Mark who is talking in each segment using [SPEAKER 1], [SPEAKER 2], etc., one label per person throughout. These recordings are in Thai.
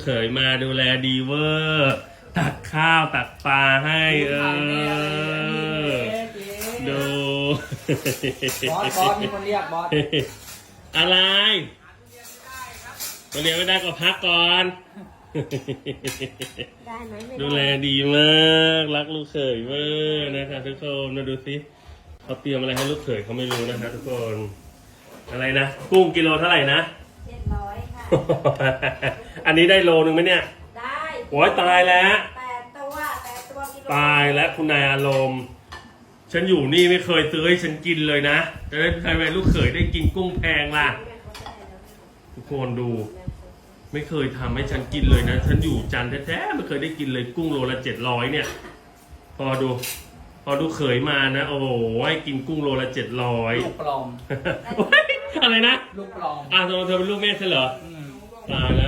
[SPEAKER 1] เขยมาดูแลดีเวอร์ตักข้าวตักปลาให้ดู
[SPEAKER 2] บอสมีคนเรียกบอส
[SPEAKER 1] อะไรมาเรียนไม่ได้ก็พักก่อน
[SPEAKER 3] ได้ไหมไม่
[SPEAKER 1] ดูแลดีมากรักลูกเขยมากนะคะทุกคนมาดูสิเขาเตรียมอะไรให้ลูกเขยเขาไม่รู้นะคะทุกคนอะไรนะกุ้งกิโลเท่าไหร่นะ
[SPEAKER 3] 700 ค่ะ
[SPEAKER 1] อันนี้ได้โลนึงไหมเนี่ย
[SPEAKER 3] ได้
[SPEAKER 1] โอ้ยตายแล้ว
[SPEAKER 3] 8 ตัวกิโล
[SPEAKER 1] ตายแล้วคุณนายอารมณ์ฉันอยู่นี่ไม่เคยซื้อให้ฉันกินเลยนะจะได้ทำไมลูกเขยได้กินกุ้งแพงล่ะทุกคนดูไม่เคยทำให้ฉันกินเลยนะฉันอยู่จันทร์แท้ๆไม่เคยได้กินเลยกุ้งโลละ700เนี่ยพอดูเขยมานะโอ้โหให้กินกุ้งโลละ700
[SPEAKER 2] ลูกปลอม
[SPEAKER 1] อะไรนะ
[SPEAKER 2] ลูกปลอม
[SPEAKER 1] เธอเป็นลูกแม่ใช่เหรอตายแล้ว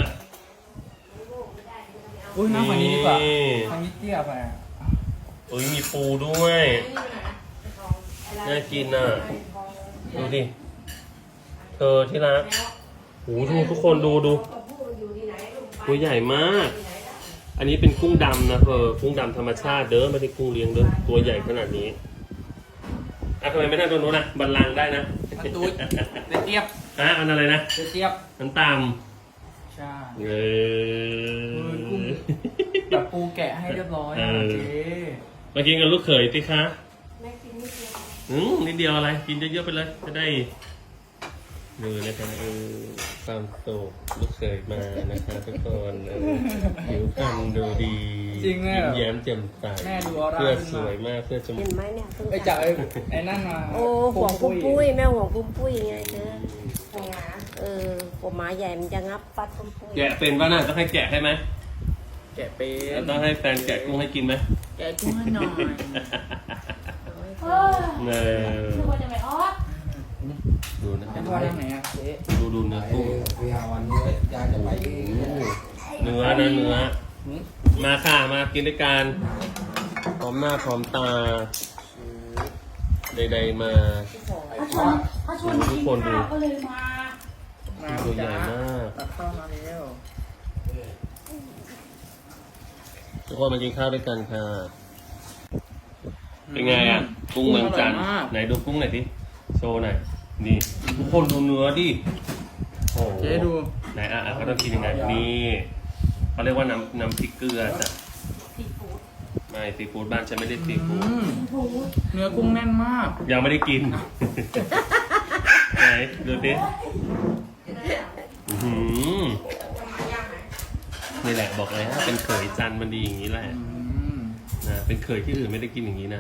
[SPEAKER 2] อุ้ยน้ำฝั่งนี้ดีกว่าฝั่งนี้เตี้ยไปอ่ะ
[SPEAKER 1] เอ้ยมีปูด้วยน่ากินอ่ะดูดิเธอที่รักโอ้โหทุกคนดูตัวใหญ่มาก อันนี้เป็นกุ้งดำนะกุ้งดำธรรมชาติเด้อไม่ได้กุ้งเลี้ยงเด้อตัวใหญ่ขนาดนี้ทำไมไม่ได้ตรงนู้นนะบัลลังก์ได้นะ
[SPEAKER 2] มันตูดเตี้ยบ
[SPEAKER 1] อันอะไรนะ
[SPEAKER 2] เตี้ยบ
[SPEAKER 1] มันตาม
[SPEAKER 2] ใช่
[SPEAKER 1] กุ้ง
[SPEAKER 2] แบบปูแกะให้เรียบร้อยเจ๊
[SPEAKER 1] มากินกับลูกเขยสิคะ
[SPEAKER 3] แม่กินนิดเดียว
[SPEAKER 1] นิดเดียวอะไรกินเยอะๆไปเลยจะได้ดูนะคะความสุขลูกเขยมานะคะทุกคนผิวพรรณดูดียิ้มแย้มแจ่มใส
[SPEAKER 2] แม่ดูออร่า
[SPEAKER 1] เพื่อสวยมากเพื่อจมู
[SPEAKER 3] เห็
[SPEAKER 1] ก
[SPEAKER 3] นไหมเนี่ย
[SPEAKER 2] ไอ้จ่าไอ้นั่นมา
[SPEAKER 3] โอ้ห่วงปุ้มปุ้ยแม่ห่วงปุ้มปุ้ยไงเธอผมหมาใหญ่มันจะงับฟัดปุ้มปุ้ย
[SPEAKER 1] แกะเป็นป่ะน่ะต้องให้แกะให้ไหม
[SPEAKER 2] แกะเป็น
[SPEAKER 1] ต้องให้แฟนแกะกุ้งให้กินไหม
[SPEAKER 2] แกะกุ้งให้หน่อย
[SPEAKER 1] เนอ
[SPEAKER 3] นึกว่าจะไม่ออก
[SPEAKER 1] ดูนะ
[SPEAKER 2] จะว่าทางไหนอ่ะเจ๊
[SPEAKER 1] ดูเนื้อกุ้ง
[SPEAKER 4] พี่ฮาวันนี้ยายจะไป
[SPEAKER 1] เนื้อมาค่ะมากินด้วยกันพร้อมหน้าพร้อมตาใดๆมาทุกคนดู
[SPEAKER 3] ก็เลยมา
[SPEAKER 1] ตัวใหญ่มาก
[SPEAKER 2] ตัดเข้ามาแล้ว
[SPEAKER 1] ทุกคนมากินข้าวด้วยกันค่ะเป็นไงอ่ะกุ้งเมืองจันทร์ไหนดูกุ้งหน่อยดิโชว์หน่อยนี่ทุกคนดูเนื้อดิโอ้
[SPEAKER 2] เจ๊ดู
[SPEAKER 1] ไหนเขาต้องกินยังไงนี่เขาเรียกว่าน้ำพริกเกลือจ้ะ
[SPEAKER 3] ซีฟู้ด
[SPEAKER 1] ไม่ซีฟู้ดบ้านฉันไม่ได้ซีฟู้ด
[SPEAKER 2] เนื้อกุ้งแน่นมาก
[SPEAKER 1] ยังไม่ได้กิน ไหนดูดินี่แหละบอกเลยฮะเป็นเขยจันทร์มันดีอย่างนี้แหละนะเป็นเขยที่อื่นไม่ได้กินอย่างนี้นะ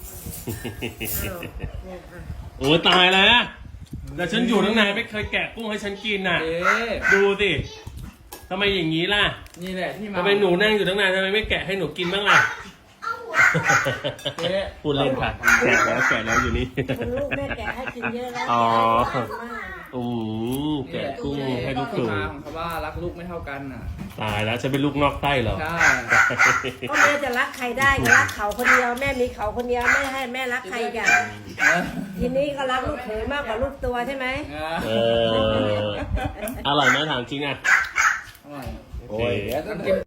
[SPEAKER 1] โอ้ตายแล้วแต่ฉันอยู่ตั้งนานไม่เคยแกะกุ้งให้ฉันกินน่ะ
[SPEAKER 2] เจ๊
[SPEAKER 1] ดูสิทำไมอย่างนี้ล่ะ
[SPEAKER 2] นี่แหละที่มา
[SPEAKER 1] ทำไมหนูนั่งอยู่ตั้งนานทำไมไม่แกะให้หนูกินบ้างล่ะ
[SPEAKER 2] เจ๊
[SPEAKER 1] พูดเล่นค่ะแกะแล้วอยู่นี่
[SPEAKER 3] คุณลูกแม่แกะให้กินเยอะแล้ว
[SPEAKER 1] อ๋อ
[SPEAKER 3] แกะมาก
[SPEAKER 1] แกะกุ้งให้ลูกเข
[SPEAKER 2] ที่มาย ของเขาว่ารักลูกไม่เท่ากันน่ะ
[SPEAKER 1] ตายแล้วฉันเป็นลูกนอกใต้เหรอ
[SPEAKER 2] ใช่
[SPEAKER 3] ก็แม่จะรักใครได้ก็รักเขาคนเดียวแม่มีเขาคนเดียวไม่ให้แม่รักใครกันทีนี้ก็รักลูกเขยมากกว่าลูกตัวใช่ไหม
[SPEAKER 1] เอออร่อยไหมถามจริงอ่ะ
[SPEAKER 2] อร่อย
[SPEAKER 1] โอเค
[SPEAKER 4] โอ้ยเดี๋ยวต้อง